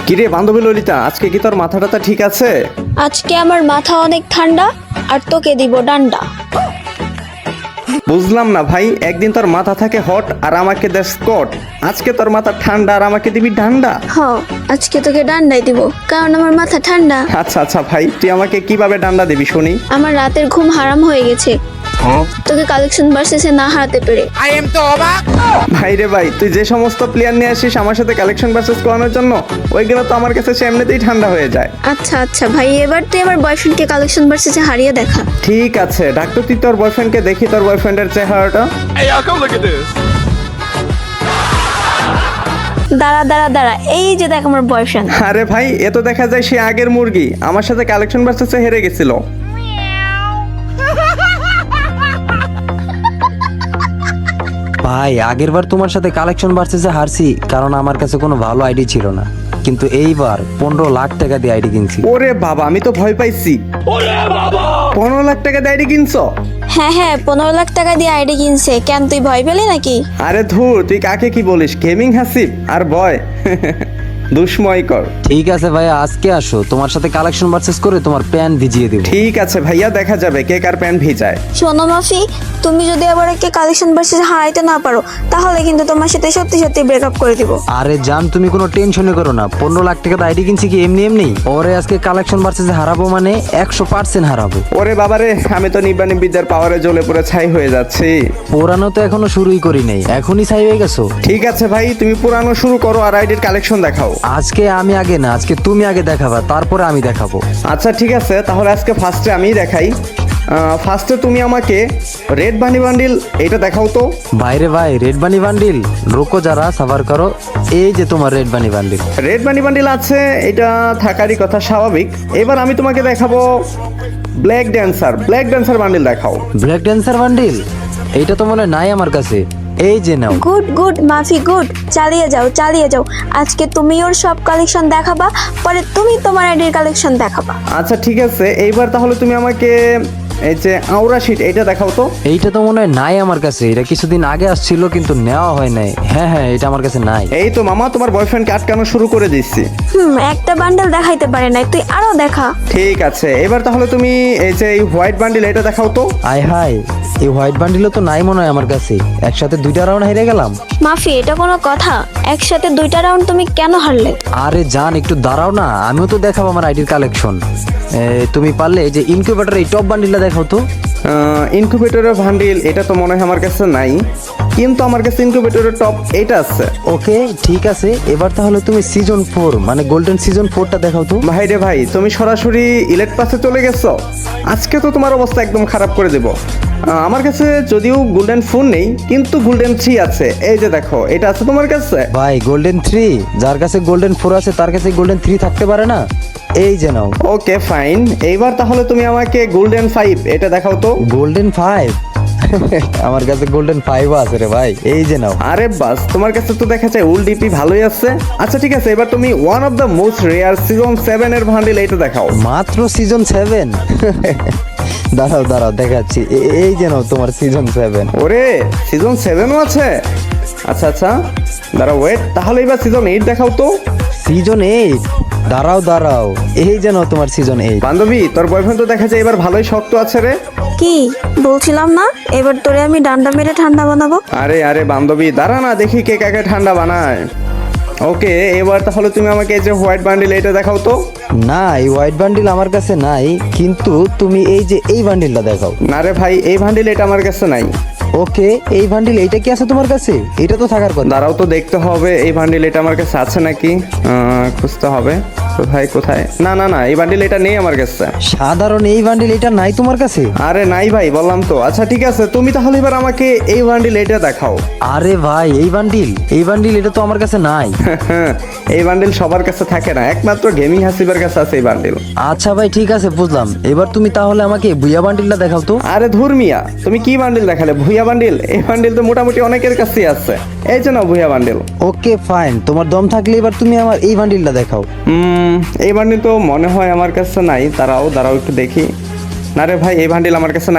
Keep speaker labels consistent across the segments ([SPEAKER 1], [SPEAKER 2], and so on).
[SPEAKER 1] কিরে বান্ধবী ললিতা, আজকে কি তোর মাথাটা ঠিক আছে?
[SPEAKER 2] আজকে আমার মাথা অনেক ঠান্ডা আর তোকে দিব ডান্ডা।
[SPEAKER 1] বুঝলাম না ভাই, একদিন তোর মাথা থাকে হট আর আমাকে দেশ স্কট, আজকে তোর মাথা ঠান্ডা আর আমাকে দিবি ডান্ডা।
[SPEAKER 2] হ, আজকে তোকে ডান্ডাই দিব কারণ আমার মাথা ঠান্ডা।
[SPEAKER 1] আচ্ছা আচ্ছা ভাই, তুই আমাকে কিভাবে ডান্ডা দিবি শুনি?
[SPEAKER 2] আমার রাতের ঘুম হারাম হয়ে গেছে তোকে কালেকশন ভার্সেসে না হারাতে পেরে।
[SPEAKER 1] ভাই রে ভাই, তুই যে সমস্ত প্লেয়ার নিয়ে আসিস আমার সাথে কালেকশন ভার্সেস করানোর জন্য, ওইগুলো তো আমার কাছে এমনিতেই ঠান্ডা হয়ে যায়।
[SPEAKER 2] আচ্ছা আচ্ছা ভাই, এবার তুই আমার বয়ফ্রেন্ডকে কালেকশন ভার্সেসে হারিয়ে দেখা।
[SPEAKER 1] ঠিক আছে, ডাক্তার তুই তোর বয়ফ্রেন্ডকে দেখি, তোর বয়ফ্রেন্ডের চেহারাটা।
[SPEAKER 3] Hey, y'all, come look at this.
[SPEAKER 2] দাঁড়া দাঁড়া দাঁড়া, এই যে দেখ আমার বয়ফ্রেন্ড।
[SPEAKER 1] আরে ভাই, এ তো দেখা যায় সে আগের মুরগি, আমার সাথে কালেকশন ভার্সেসে হেরে গেছিল।
[SPEAKER 4] ভাই আগেরবার তোমার সাথে কালেকশন ভার্সেসে হারছি কারণ আমার কাছে কোনো ভালো আইডি ছিল না, কিন্তু এইবার 15 লাখ টাকা দিয়ে আইডি কিনছি।
[SPEAKER 1] ওরে বাবা, আমি তো ভয় পাইছি। 15 লাখ টাকা দিয়ে আইডি কিনছো?
[SPEAKER 2] হ্যাঁ হ্যাঁ, 15 লাখ টাকা দিয়ে আইডি কিনছে। কেন, তুই ভয় পেলি নাকি?
[SPEAKER 1] আরে ধুর, তুই কাকে কি বলিস? গেমিং হাসিব আর ভয় দুষ্ময় কর।
[SPEAKER 4] ঠিক আছে ভাইয়া, আজকে আসো, তোমার সাথে কালেকশন ভার্সেস করে তোমার প্যান ভিজিয়ে দেবো।
[SPEAKER 1] ঠিক আছে ভাইয়া, দেখা যাবে কে কার প্যান্ট ভিজায়।
[SPEAKER 2] শোনো মাফি, তুমি যদি আবার একে কালেকশন ভার্সেস হারাইতে না পারো তাহলে কিন্তু তোমার সাথে সত্যি সত্যি ব্রেকআপ করে দিব।
[SPEAKER 4] আরে জান, তুমি কোনো টেনশনই করো না, 15 লাখ টাকা আইডি কিনছি কি এমনি এমনি? ওরে আজকে কালেকশন ভার্সেসে হারাবো মানে 100% হারাবো।
[SPEAKER 1] ওরে বাবারে, আমি তো নিব্বানি বিদ্যার পাওয়ারে জ্বলে পুরো ছাই হয়ে যাচ্ছি।
[SPEAKER 4] পুরানো তো এখনো শুরুই করি নাই, এখনই ছাই হয়ে গেছো।
[SPEAKER 1] ঠিক আছে ভাই, তুমি পুরানো শুরু করো আর আইডির কালেকশন দেখাও।
[SPEAKER 4] আজকে আমি আগে না, আজকে তুমি আগে দেখাবা, তারপরে আমি দেখাবো।
[SPEAKER 1] আচ্ছা ঠিক আছে, তাহলে আজকে ফার্স্টে আমিই দেখাই। ফার্স্টে তুমি আমাকে রেড বানি বান্ডিল এটা দেখাও তো।
[SPEAKER 4] বাইরে ভাই, রেড বানি বান্ডিল রোকো, যারা সাভার করো, এই যে তোমার red bunny bundle.
[SPEAKER 1] Red bunny bundle আছে, এটা থাকারই কথা, স্বাভাবিক। এবার আমি তোমাকে দেখাবো ব্ল্যাক ড্যান্সার বান্ডিল দেখাও।
[SPEAKER 4] ব্ল্যাক ড্যান্সার বান্ডিল, এইটা তো মনে হয় নাই আমার কাছে, এই যে নাও।
[SPEAKER 2] গুড গুড মাফি, গুড, চালিয়ে যাও চালিয়ে যাও। আজকে তুমি ওর সব কালেকশন দেখাবা, পরে তুমি তোমার আইডির কালেকশন দেখাবা।
[SPEAKER 1] আচ্ছা ঠিক আছে, এইবার তাহলে তুমি আমাকে এই যে আউরা শিট এটা দেখাও তো।
[SPEAKER 4] এইটা তো মনে হয় নাই আমার কাছে, এটা কিছুদিন আগে আসছিল কিন্তু নেওয়া হয় নাই। হ্যাঁ হ্যাঁ, এটা আমার কাছে নাই।
[SPEAKER 1] এই তো মামা, তোমার বয়ফ্রেন্ডকে আটকানো শুরু করে দিচ্ছি।
[SPEAKER 2] একটা বান্ডেল দেখাইতে পারে নাই, তুই আরো দেখা।
[SPEAKER 1] ঠিক আছে, এবার তাহলে তুমি এই যে এই হোয়াইট বান্ডিল এটা দেখাও তো।
[SPEAKER 4] আয় হাই, এই হোয়াইট বান্ডিলও তো নাই মনে হয় আমার কাছে, একসাথে 2টা রাউন্ড হেরে গেলাম।
[SPEAKER 2] মাফি, এটা কোনো কথা? একসাথে 2টা রাউন্ড তুমি কেন হারলে?
[SPEAKER 4] আরে জান, একটু দাঁড়াও না, আমিও তো দেখাবো আমার আইডির কালেকশন। তুমি পারলে এই যে ইনকিউবেটর এই টপ বান্ডিলটা দেখাও তো।
[SPEAKER 1] ইনকিউবেটরের বান্ডিল এটা তো মনে হয় আমার কাছে নাই, কিন্তু আমার কাছে ইনকিউবেটরের টপ এটা আছে।
[SPEAKER 4] ওকে ঠিক আছে, এবার তাহলে তুমি সিজন 4 মানে গোল্ডেন সিজন 4টা দেখাও তো।
[SPEAKER 1] ভাই রে ভাই, তুমি সরাসরি ইলেক্ট পাসে চলে গেছো, আজকে তো তোমার অবস্থা একদম খারাপ করে দেব। আমার কাছে যদিও গোল্ডেন ফোন নেই, কিন্তু গোল্ডেন 3 আছে, এই যে দেখো এটা আছে তোমার কাছে।
[SPEAKER 4] ভাই গোল্ডেন 3, যার কাছে গোল্ডেন 4 আছে তার কাছে গোল্ডেন 3 থাকতে পারে না? এই যে নাও।
[SPEAKER 1] ওকে ফাইন, এইবার তাহলে তুমি আমাকে গোল্ডেন 5 এটা দেখাও তো।
[SPEAKER 4] গোল্ডেন 5? আমার কাছে গোল্ডেন 5 আছে রে ভাই, এই যে নাও।
[SPEAKER 1] আরে বাস, তোমার কাছে তো দেখা যায় উল ডিপি ভালোই আছে। আচ্ছা ঠিক আছে, এবার তুমি one of the most rare season 7 এর বান্ডিল এটা দেখাও।
[SPEAKER 4] মাত্র সিজন 7? দাঁড়াও দাঁড়াও দেখাচ্ছি, এই যে নাও তোমার সিজন 7।
[SPEAKER 1] ওরে, সিজন 7ও আছে? আচ্ছা আচ্ছা, দাঁড়াও ওয়েট, তাহলে এবার সিজন 8 দেখাও তো।
[SPEAKER 4] সিজন 8? দাঁড়াও দাঁড়াও, এই যে নাও তোমার সিজন 8।
[SPEAKER 1] বান্ধবী, তোর বয়ফ্রেন্ড তো দেখা যায় এবার ভালোই শক্ত আছে রে।
[SPEAKER 2] কি বলছিলাম না, এবার তোরে আমি ডান্ডা মেরে ঠান্ডা বানাবো।
[SPEAKER 1] আরে আরে বান্ধবী, দাঁড়া না, দেখি কে কাকে ঠান্ডা বানায়। ওকে, এবার তাহলে তুমি আমাকে এই যে হোয়াইট বান্ডিল এটা দেখাও তো।
[SPEAKER 4] না, এই হোয়াইট বান্ডিল আমার কাছে নাই, কিন্তু তুমি এই যে এই বান্ডিলটা দেখাও।
[SPEAKER 1] না রে ভাই, এই বান্ডিল এটা আমার কাছে নাই।
[SPEAKER 4] ওকে, এই বান্ডিল এইটা কি আছে তোমার কাছে? এটা তো থাকার কথা।
[SPEAKER 1] দাঁড়াও তো দেখতে হবে এই বান্ডিল এটা আমার কাছে আছে নাকি, খুঁজতে হবে। কোথায় কোথায়, না না না, এই বান্ডিল এটা নেই আমার কাছে।
[SPEAKER 4] সাধারণ এই বান্ডিল এটা নাই তোমার কাছে?
[SPEAKER 1] আরে নাই ভাই, বললাম তো। আচ্ছা ঠিক আছে, তুমি তাহলে এবার আমাকে এই বান্ডিল এটা দেখাও।
[SPEAKER 4] আরে ভাই, এই বান্ডিল এটা তো আমার কাছে নাই।
[SPEAKER 1] এই বান্ডিল সবার কাছে থাকে না, একমাত্র গেমিং হাসিবের কাছে আছে এই বান্ডিল।
[SPEAKER 4] আচ্ছা ভাই ঠিক আছে, বুঝলাম। এবার তুমি তাহলে আমাকে বুইয়া বান্ডিলটা দেখাও তো।
[SPEAKER 1] আরে ধুর মিয়া, তুমি কি বান্ডিল দেখালে? ভুইয়া বান্ডিল? এই বান্ডিল তো মোটামুটি অনেকের কাছেই আছে, এই যে নাও ভুইয়া বান্ডিল।
[SPEAKER 4] ওকে ফাইন, তোমার দম থাকলে এবার তুমি আমার এই বান্ডিলটা দেখাও।
[SPEAKER 1] এই বান্ডিল তো মনে হয় আমার কাছে নাই, দাঁড়াও একটু দেখি। না রে ভাই, এই বান্ডিল আমার কাছে নাই।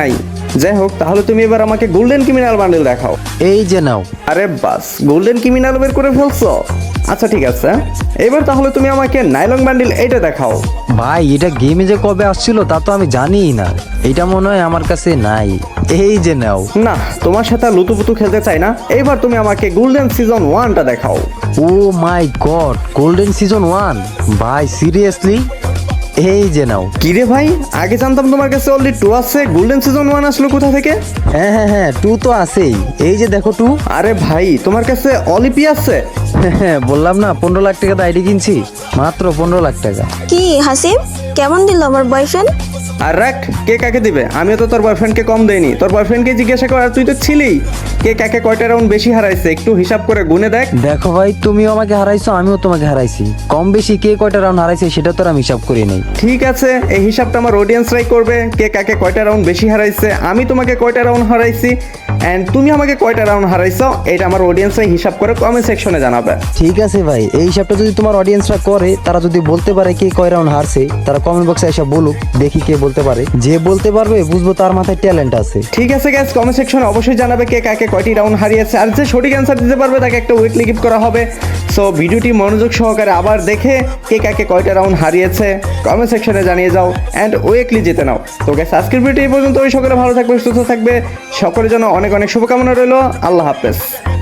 [SPEAKER 1] যাই হোক, তাহলে তুমি এবার আমাকে গোল্ডেন ক্রিমিনাল বান্ডেল দেখাও।
[SPEAKER 4] এই যে নাও।
[SPEAKER 1] আরে বাস, গোল্ডেন ক্রিমিনাল বের করে ফেলছো। আচ্ছা ঠিক আছে, এবার তাহলে তুমি আমাকে নাইলন বান্ডেল এইটা দেখাও।
[SPEAKER 4] ভাই এটা গেমে যে কবে আসছিল তা তো আমি জানিই না, এটা মনে হয় আমার কাছে নাই। এই যে নাও।
[SPEAKER 1] না, তোমার সাথে আর লুতুপুতু খেলতে চাই না, এইবার তুমি আমাকে গোল্ডেন সিজন 1টা দেখাও।
[SPEAKER 4] Oh my god, golden season 1! ভাই সিরিয়াসলি? এই যে নাও।
[SPEAKER 1] কিরে ভাই, আগে জানতাম তোমার কাছে অলরেডি 2 আছে, গোল্ডেন সিজন 1 আসলো কোথা থেকে?
[SPEAKER 4] হ্যাঁ হ্যাঁ হ্যাঁ, 2 তো আছেই, এই যে দেখো 2।
[SPEAKER 1] আরে ভাই, তোমার কাছে অলিপি আছে?
[SPEAKER 4] হ্যাঁ বললাম না 15 লাখ টাকা আইডি কিনছি, মাত্র 15 লাখ টাকা।
[SPEAKER 2] কি হাসিব, কেমন দিল আমার বয়ফ্রেন্ড?
[SPEAKER 1] আর রাখ, কে কাকে দিবে? আমিও তো তোর বয়ফ্রেন্ডকে কম দেইনি, তোর বয়ফ্রেন্ডকে জিজ্ঞাসা কর। আর তুই তো ছিলি, কে কাকে কয়টা রাউন্ড বেশি হারাইছে একটু হিসাব করে গুনে দেখ।
[SPEAKER 4] দেখো ভাই, তুমিও আমাকে হারাইছো, আমিও তোমাকে হারাইছি, কম বেশি কে কয়টা রাউন্ড হারাইছে সেটা তো আর আমি হিসাব করি নাই।
[SPEAKER 1] ঠিক আছে, এই হিসাবটা আমার অডিয়েন্সরাই করবে, কে কাকে কয়টা রাউন্ড বেশি হারাইছে, আমি তোমাকে কয়টা রাউন্ড হারাইছি, অ্যান্ড তুমি আমাকে কয়টা রাউন্ড হারাইছো, এটা আমার অডিয়েন্সরাই হিসাব করে কমেন্ট সেকশনে জানাবে।
[SPEAKER 4] ঠিক আছে ভাই, এই হিসাবটা যদি তোমার অডিয়েন্সরা করে, তারা যদি বলতে পারে কে কয় রাউন্ড হারছে, তারা কমেন্ট বক্সে এসে বলুক, দেখি কে বলতে পারে। যে বলতে পারবে বুঝবো তার মাথায় ট্যালেন্ট আছে।
[SPEAKER 1] ঠিক আছে গাইস, কমেন্ট সেকশনে অবশ্যই জানাবে কে কাকে কয়টি রাউন্ড হারিয়েছে, আর যে সঠিক অ্যান্সার দিতে পারবে তাকে একটা উইকলি গিফট করা হবে। সো ভিডিওটি মনোযোগ সহকারে আবার দেখে কে কাকে কয়টা রাউন্ড হারিয়েছে কমেন্ট সেকশনে জানিয়ে যাও, অ্যান্ড উইকলি জিতে নাও। তো গাইস, আজকের ভিডিও এই পর্যন্ত। সকলে ভালো থাকবে, সুস্থ থাকবে, সকলের জন্য অনেক অনেক শুভকামনা রইল। আল্লাহ হাফেজ।